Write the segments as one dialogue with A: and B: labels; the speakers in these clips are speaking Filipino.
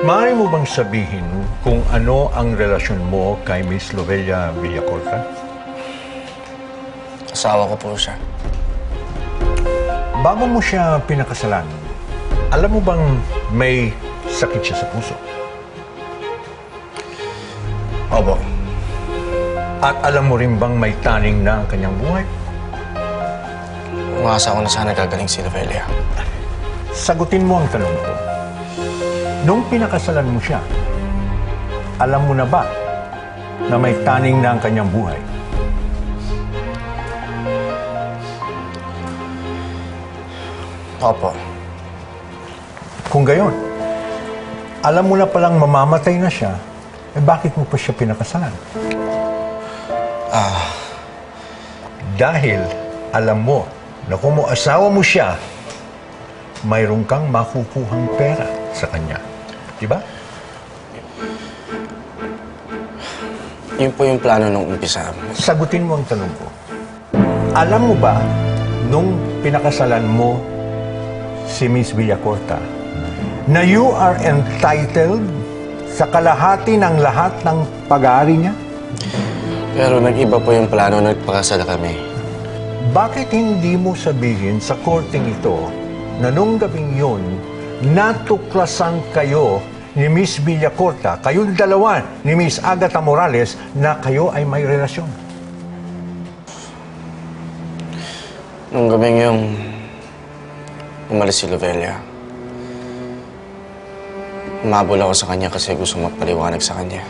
A: Maaari mo bang sabihin kung ano ang relasyon mo kay Miss Lovelia Villacorta?
B: Asawa ko po siya.
A: Bago mo siya pinakasalan, alam mo bang may sakit siya sa puso?
B: Opo.
A: At alam mo rin bang may taning na ang kanyang buhay?
B: Umasa ko na sana gagaling si Lovelia.
A: Sagutin mo ang tanong ko. Nung pinakasalan mo siya, alam mo na ba na may taning na ang kanyang buhay?
B: Opo.
A: Kung gayon, alam mo na palang mamamatay na siya, bakit mo pa siya pinakasalan? Dahil alam mo na kung mo asawa mo siya, mayroon kang makukuhang pera sa kanya. Diba?
B: Yun po yung plano nung umpisa.
A: Sagutin mo ang tanong ko. Alam mo ba, nung pinakasalan mo si Miss Villacorta, na you are entitled sa kalahati ng lahat ng pag-aari niya?
B: Pero nag-iba po yung plano nung nagpakasala kami.
A: Bakit hindi mo sabihin sa korteng ito na nung gabing yun, natuklasan kayo ni Miss Villacorta, kayong dalawa ni Miss Agatha Morales, na kayo ay may relasyon?
B: Nung gabing yung umalis si Lovelia, umabol ako sa kanya kasi gusto magpaliwanag sa kanya.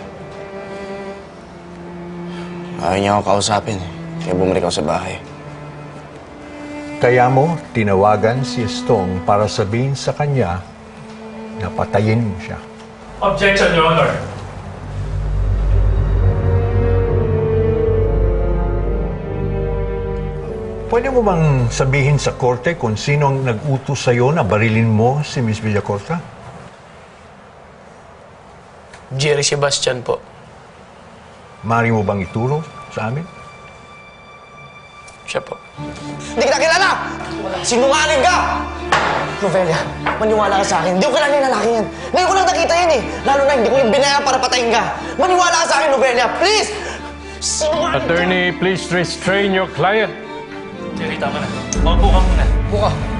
B: Ayaw niya ako kausapin, kaya bumalik ako sa bahay.
A: Kaya mo tinawagan si Stong para sabihin sa kanya na patayin mo siya.
C: Objection, Your Honor.
A: Pwede mo bang sabihin sa korte kung sino ang nag-utos sa'yo na barilin mo si Miss Villacorta?
D: Jerry Sebastian po.
A: Maaari mo bang ituro sa amin?
D: Siya po.
E: Hindi kita kilala! Sinungaling ka! Lovelia, maniwala ka sa akin. Hindi ko kilala yung lalaki yan. Ngayon ko lang nakita yan eh. Lalo na hindi ko yung binaya para patayin ka. Maniwala ka sa akin, Lovelia. Please! Sinungaling ka!
C: Attorney, please restrain your client. Jerry, tama na. Maupo ka muna.
E: Buka.